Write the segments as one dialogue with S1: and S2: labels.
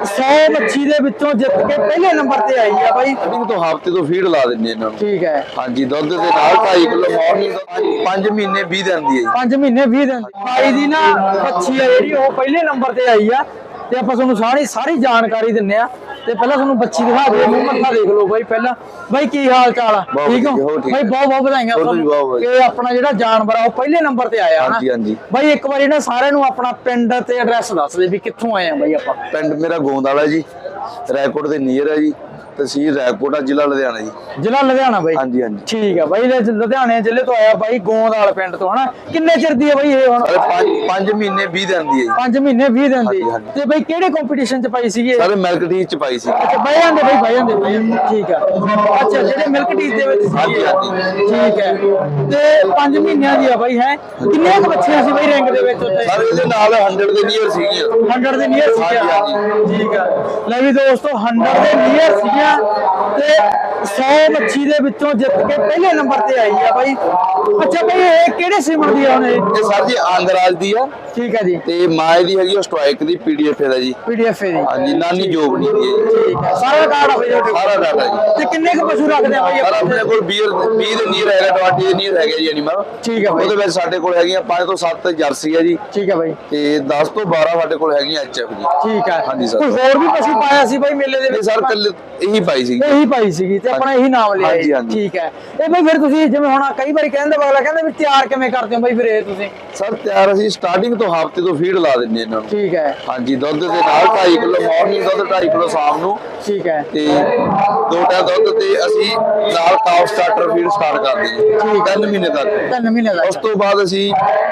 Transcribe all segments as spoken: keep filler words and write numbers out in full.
S1: सौ मच्छी ਦੇ ਵਿੱਚੋਂ ਜਿੱਤ ਕੇ ਪਹਿਲੇ ਨੰਬਰ ਤੇ ਆਈ ਆ ਬਾਈ।
S2: ਸਟਾਰਟਿੰਗ ਤੋਂ ਹਫ਼ਤੇ ਤੋਂ ਫੀਡ ਲਾ ਦਿੰਦੇ ਇਹਨਾਂ ਨੂੰ।
S1: ਠੀਕ ਹੈ।
S2: ਹਾਂਜੀ, ਦੁੱਧ ਦੇ ਨਾਲ ਢਾਈ ਕਿਲੋ ਮਾਰਨਿੰਗ ਪੰਜ ਮਹੀਨੇ ਵੀਹ ਦਿਨ ਦੀ ਹੈ ਜੀ।
S1: ਪੰਜ ਮਹੀਨੇ ਵੀਹ ਦਿਨ ਦੀ ਬਾਈ ਦੀ ਨਾ ਮੱਛੀ ਆ ਜਿਹੜੀ ਉਹ ਪਹਿਲੇ ਨੰਬਰ ਤੇ ਆਈ ਆ ਤੇ ਆਪਾਂ ਤੁਹਾਨੂੰ ਸਾਰੀ ਸਾਰੀ ਜਾਣਕਾਰੀ ਦਿੰਨੇ ਆ। ਤੇ ਪਹਿਲਾਂ ਤੁਹਾਨੂੰ ਬੱਚੀ ਦਿਖਾ ਦੇ, ਮੂੰਹ ਮੱਥਾ ਦੇਖ ਲਓ ਬਾਈ। ਪਹਿਲਾਂ ਬਾਈ ਕੀ ਹਾਲ ਚਾਲ ਆ? ਠੀਕ ਹੋ ਬਾਈ? ਬਹੁਤ ਬਹੁਤ ਵਧਾਈਆਂ ਕਿ ਆਪਣਾ ਜਿਹੜਾ ਜਾਨਵਰ ਆ ਉਹ ਪਹਿਲੇ ਨੰਬਰ ਤੇ ਆਇਆ ਹਨਾ।
S2: ਹਾਂਜੀ ਹਾਂਜੀ
S1: ਬਾਈ ਇੱਕ ਵਾਰੀ ਨਾ ਸਾਰਿਆਂ ਨੂੰ ਆਪਣਾ ਪਿੰਡ ਤੇ ਐਡਰੈਸ ਦੱਸ ਦੇ ਵੀ ਕਿੱਥੋਂ ਆਏ ਆ ਬਾਈ ਆਪਾਂ।
S2: ਪਿੰਡ ਮੇਰਾ ਗੋਂਦਵਾਲਾ ਜੀ, ਰਾਏਕੋਟ ਦੇ ਨੀਅਰ ਹੈ ਜੀ, ਤਹਿਸੀਲ ਰਾਏਕੋਟ, ਜ਼ਿਲ੍ਹਾ ਲੁਧਿਆਣਾ ਜੀ।
S1: ਜ਼ਿਲ੍ਹਾ ਲੁਧਿਆਣਾ ਬਾਈ?
S2: ਹਾਂਜੀ ਹਾਂਜੀ
S1: ਠੀਕ ਆ ਬਾਈ। ਲੁਧਿਆਣੇ ਜ਼ਿਲ੍ਹੇ ਤੋਂ ਆਇਆ ਬਾਈ, ਗੋਂਦਵਾਲ ਪਿੰਡ ਤੋਂ ਹਨਾ। ਕਿੰਨੇ ਚਿਰ ਦੀ ਹੈ ਬਾਈ ਇਹ ਹੁਣ?
S2: ਪੰਜ ਮਹੀਨੇ ਵੀਹ ਦਿਨ ਦੀ ਹੈ ਜੀ।
S1: ਪੰਜ ਮਹੀਨੇ ਵੀਹ ਦਿਨ ਦੀ। ਤੇ ਬਾਈ ਕਿਹੜੇ ਕੰਪੀਟੀਸ਼ਨ ਚ ਪਾਈ ਸੀਗੀ?
S2: ਸਾਰੇ ਮਿਲਕ ਟੀਚ ਚ ਪਾਈ ਸੀ।
S1: ਅੱਛਾ ਬਹਿ ਜਾਂਦੇ ਬਾਈ, ਬਹਿ ਜਾਂਦੇ ਬਹਿ ਜਾਂਦੇ। ਠੀਕ ਆ। ਅੱਛਾ ਜਿਹੜੇ ਮਿਲਕ ਟੀਚ ਦੇ ਵਿੱਚ
S2: ਹਾਂਜੀ ਹਾਂਜੀ
S1: ਠੀਕ ਹੈ। ਤੇ ਪੰਜ ਮਹੀਨਿਆਂ ਦੀ ਆ ਬਾਈ ਹੈ। ਕਿੰਨੀਆਂ ਕੁ ਬੱਚੀਆਂ ਸੀ ਬਾਈ ਰਿੰਗ ਦੇ ਵਿੱਚ ਉੱਤੇ?
S2: ਸਰ ਇਹਦੇ ਨਾਲ ਸੌ ਦੇ ਨੀਅਰ ਸੀਗੀਆਂ।
S1: ਸੌ ਦੇ ਨੀਅਰ ਸੀਗੀਆਂ।
S2: ਹਾਂਜੀ
S1: ਠੀਕ ਆ। ਲੈ ਵੀ ਦੋਸਤੋ ਸੌ ਦੇ ਨੀਅਰ ਸੀਗੀਆਂ ਤੇ ਸੌ ਮੱਛੀ ਦੇ ਵਿੱਚੋਂ ਜਿੱਤ ਕੇ ਪਹਿਲੇ ਨੰਬਰ ਤੇ ਆਈ ਆ ਬਾਈ। ਅੱਛਾ ਬਾਈ ਇਹ ਕਿਹੜੇ ਸੀਮਨ ਦੀ ਆ ਹੁਣ?
S2: ਇਹ ਸਰ ਜੀ ਆਂਗਰਾਜ ਦੀ ਆ।
S1: ਠੀਕ ਹੈ ਜੀ।
S2: ਤੇ ਮਾਂ ਦੀ ਹੈਗੀ ਸਟ੍ਰਾਈਕ ਦੀ ਪੀਡੀਐਫ ਦਾ ਜੀ।
S1: ਪੀਡੀਐਫ ਦੀ।
S2: ਹਾਂਜੀ, ਨਾਨੀ ਜੋਬਨੀ ਦੀ ਹੈ ਜੀ।
S1: ਠੀਕ ਹੈ। ਸਾਰਾ ਕਾਰਡ ਆ ਬਾਈ ਤੁਹਾਡੇ ਕੋਲ?
S2: ਸਾਰਾ ਡਾਟਾ ਜੀ।
S1: ਤੇ ਕਿੰਨੇ ਕੁ ਪਸ਼ੂ ਰੱਖਦੇ ਆ ਬਾਈ
S2: ਸਰ ਆਪਣੇ ਕੋਲ ਵੀਹ ਵੀਹ ਦੇ ਨੀਅਰ ਹੈਗਾ, ਵੀਹ ਦੇ ਨੀਅਰ ਹੈਗੇ ਜੀ ਐਨੀਮਲ।
S1: ਠੀਕ ਹੈ ਬਾਈ।
S2: ਉਹਦੇ ਵਿੱਚ ਸਾਡੇ ਕੋਲ ਹੈਗੀਆਂ ਪੰਜ ਤੋਂ ਸੱਤ ਜਰਸੀ ਹੈ ਜੀ।
S1: ਠੀਕ ਹੈ ਬਾਈ।
S2: ਤੇ ਦਸ ਤੋਂ ਬਾਰਾਂ ਸਾਡੇ ਕੋਲ ਹੈਗੀਆਂ ਐਚਐਫ ਜੀ।
S1: ਠੀਕ ਹੈ।
S2: ਹਾਂਜੀ ਸਰ।
S1: ਕੋਈ ਹੋਰ ਵੀ ਪਸ਼ੂ ਪਾਇਆ ਸੀ ਬਾਈ ਮੇਲੇ ਦੇ ਵਿੱਚ?
S2: ਸਰ ਕੱਲ ਇਹੀ ਪਾਈ ਸੀ।
S1: ਇਹੀ ਪਾਈ ਸੀਗੀ ਤੇ ਆਪਣਾ ਇਹੀ ਨਾਮ ਲਿਆ।
S2: ਹਾਂਜੀ ਹਾਂਜੀ।
S1: ਠੀਕ ਹੈ। ਇਹ ਬਾਈ ਫਿਰ ਤੁਸੀਂ ਜਿਵੇਂ ਹੁਣ ਕਈ ਵਾਰੀ ਕਹਿੰਦੇ ਅਗਲਾ ਕਹਿੰਦਾ ਵੀ ਤਿਆਰ ਕਿਵੇਂ ਕਰਦੇ ਹੋ ਬਾਈ ਫਿਰ ਇਹ ਤੁਸੀਂ?
S2: ਸਰ ਤਿਆਰ ਅਸੀਂ ਸਟਾਰਟਿੰਗ ਤੋਂ ਹਫ਼ਤੇ ਤੋਂ ਫੀਡ ਲਾ ਦਿੰਦੇ ਇਹਨਾਂ ਨੂੰ।
S1: ਠੀਕ ਹੈ।
S2: ਹਾਂਜੀ, ਦੁੱਧ ਦੇ ਨਾਲ ਢਾਈ ਕਿਲੋ ਮਾਰਨਿੰਗ ਦੁੱਧ, ਢਾਈ ਕਿਲੋ ਸ਼ਾਮ ਨੂੰ।
S1: ਠੀਕ ਹੈ।
S2: ਤੇ ਦੋ ਟਾਈਮ ਦੁੱਧ ਤੇ ਅਸੀਂ ਨਾਲ ਕਾਫ ਸਟਾਰਟਰ ਫੀਡ ਸਟਾਰਟ ਕਰਦੇ ਜੀ ਤਿੰਨ ਮਹੀਨੇ ਤੱਕ।
S1: ਤਿੰਨ ਮਹੀਨੇ ਦਾ।
S2: ਉਸ ਤੋਂ ਬਾਅਦ ਅਸੀਂ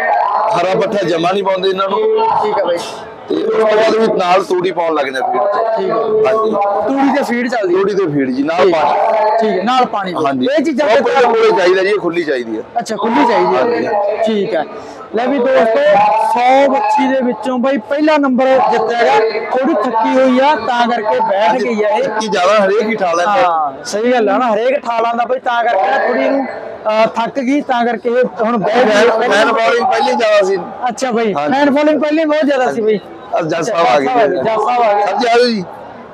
S2: ਹਰਾ ਪੱਠਾ ਜਮਾ ਨਹੀਂ ਪਾਉਂਦੇ ਇਹਨਾਂ ਨੂੰ।
S1: ਠੀਕ ਹੈ ਬਾਈ।
S2: ਤੇ ਉਸ ਤੋਂ ਬਾਅਦ ਵੀ ਨਾਲ ਤੂੜੀ ਪਾਉਣ ਲੱਗ ਜਾਂਦੇ ਫੀਡ ਚ।
S1: ਠੀਕ ਹੈ।
S2: ਹਾਂਜੀ,
S1: ਤੂੜੀ ਤੇ ਫੀਡ ਚੱਲਦੀ ਹੈ?
S2: ਤੂੜੀ ਤੇ ਫੀਡ ਜੀ, ਨਾਲ ਪਾਣੀ।
S1: ਠੀਕ ਹੈ, ਨਾਲ ਪਾਣੀ।
S2: ਹਾਂਜੀ,
S1: ਇਹ ਚੀਜ਼ਾਂ
S2: ਉਹ ਕੋਲੇ ਚਾਹੀਦਾ ਜੀ, ਇਹ ਖੁੱਲੀ ਚਾਹੀਦੀ ਹੈ।
S1: ਅੱਛਾ ਖੁੱਲੀ ਚਾਹੀਦੀ ਹੈ। ਠੀਕ ਹੈ। ਲੈ ਵੀ ਦੋਸਤੋ ਸੌ ਬੱਚੀ ਦੇ ਵਿੱਚੋਂ ਬਾਈ ਪਹਿਲਾ ਨੰਬਰ ਜਿੱਤਿਆ ਹੈਗਾ। ਥੋੜੀ ਥੱਕੀ ਹੋਈ ਆ ਤਾਂ ਕਰਕੇ ਬੈਠ ਗਈ ਆ ਇਹ।
S2: ਕੀ ਜ਼ਿਆਦਾ ਹਰੇਕ ਹੀ ਠਾ ਲੈਂਦੇ।
S1: ਹਾਂ ਸਹੀ ਗੱਲ ਆ ਨਾ, ਹਰੇਕ ਠਾਲਾਂ ਦਾ ਬਾਈ ਤਾਂ ਕਰਕੇ ਨਾ ਥੋੜੀ ਇਹਨੂੰ ਥੱਕ ਗਈ ਤਾਂ ਕਰਕੇ ਇਹ ਹੁਣ ਬੈਠ ਗਈ।
S2: ਫੈਨ ਬੋਲਿੰਗ ਪਹਿਲੀ ਜ਼ਿਆਦਾ ਸੀ।
S1: ਅੱਛਾ ਬਾਈ, ਫੈਨ ਫੋਲੋਇੰਗ ਪਹਿਲੇ ਬਹੁਤ ਜ਼ਿਆਦਾ ਸੀ ਬਾਈ।
S2: ਜੱਜ ਸਾਹਿਬ ਆ ਗਏ।
S1: ਜੱਜ ਸਾਹਿਬ ਆ ਗਏ।
S2: ਸਰ ਜੀ ਆਜੋ ਜੀ।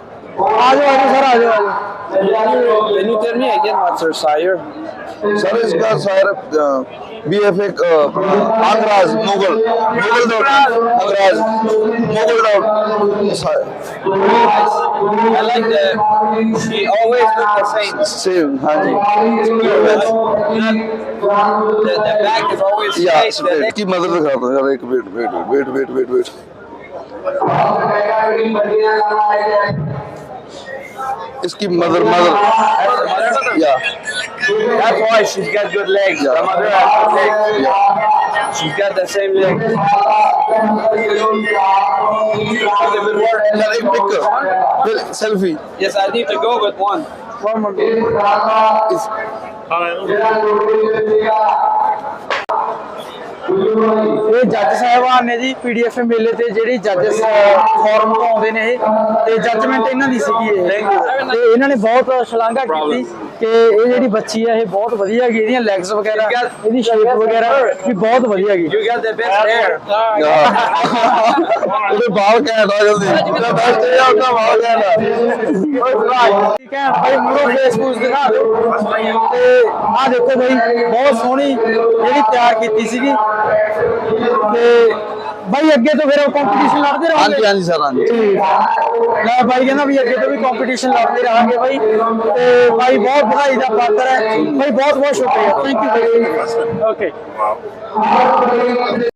S1: ਆਜੋ ਆਜੋ ਸਰ, ਆਜੋ ਆਜੋ।
S3: Can you tell me again what's your sire?
S2: Sir इसका शायर बी एफ एक अंग्राज मुगल मुगल दौड़ अंग्राज मुगल दौड़।
S3: I like that she always look the same.
S2: Same. हाँ जी।
S3: The, the back is always
S2: या
S3: straight. The neck-
S2: इसकी मदद दिखाता हूँ यार, एक wait wait wait wait wait wait इसकी मदर मदर या
S3: That's why she's got good legs. The mother has good legs.
S2: या
S3: She's got the same legs.
S2: यार एक पिक फिर selfie.
S3: Yes, I need to go with one.
S1: One more.
S2: इस
S1: ਇਹ ਜੱਜ ਸਾਹਿਬਾਨ ਨੇ ਜੀ ਪੀਡੀਐਫ ਮੇਲੇ ਤੇ ਜਿਹੜੀ ਜੱਜਸ ਫੋਰਮ ਤੋਂ ਆਉਂਦੇ ਨੇ ਇਹ ਤੇ ਜੱਜਮੈਂਟ ਇਹਨਾਂ ਦੀ ਸੀਗੀ ਇਹ ਤੇ ਇਹਨਾਂ ਨੇ ਬਹੁਤ ਸ਼ਲਾਘਾ ਕੀਤੀ ਕਿ ਇਹ ਜਿਹੜੀ ਬੱਚੀ ਹੈ ਇਹ ਬਹੁਤ ਵਧੀਆ ਹੈਗੀ, ਇਹਦੀਆਂ ਲੈਗਸ ਵਗੈਰਾ ਇਹਦੀ ਸ਼ੇਪ ਵਗੈਰਾ ਵੀ ਬਹੁਤ ਵਧੀਆ ਹੈਗੀ।
S3: You got the best hair.
S2: ਉਹਦੇ ਬਾਲ ਘੈਂਟ ਆ ਜਲਦੀ ਉਹਦਾ ਬੈਸਟ ਹੈ ਉਹਦਾ ਬਾਲ ਘੈਂਟ।
S1: ਠੀਕ ਹੈ ਭਾਈ, ਮੂਰੋ ਫੇਸਬੁੱਕ ਦਿਖਾ ਦਿਓ ਤੇ ਆਹ ਦੇਖੋ ਭਾਈ ਬਹੁਤ ਸੋਹਣੀ ਜਿਹੜੀ ਤਿਆਰ ਕੀਤੀ ਸੀਗੀ ਤੇ ਭਾਈ ਅੱਗੇ ਤੋਂ ਫਿਰ ਕੰਪੀਟੀਸ਼ਨ ਲੜਦੇ ਰਹੋਗੇ?
S2: ਹਾਂਜੀ ਹਾਂਜੀ ਸਰ ਹਾਂਜੀ।
S1: ਠੀਕ ਹੈ। ਲੈ ਭਾਈ ਕਹਿੰਦਾ ਵੀ ਅੱਗੇ ਤੋਂ ਵੀ ਕੰਪੀਟੀਸ਼ਨ ਲੜਦੇ ਰਹਾਂਗੇ ਭਾਈ ਤੇ ਭਾਈ ਬਹੁਤ ਵਧਾਈ ਦਾ ਪਾਤਰ ਹੈ ਭਾਈ, ਬਹੁਤ ਬਹੁਤ ਸ਼ੁਕਰੀਆ। ਥੈਂਕ ਯੂ ਭਾਈ। ਓਕੇ।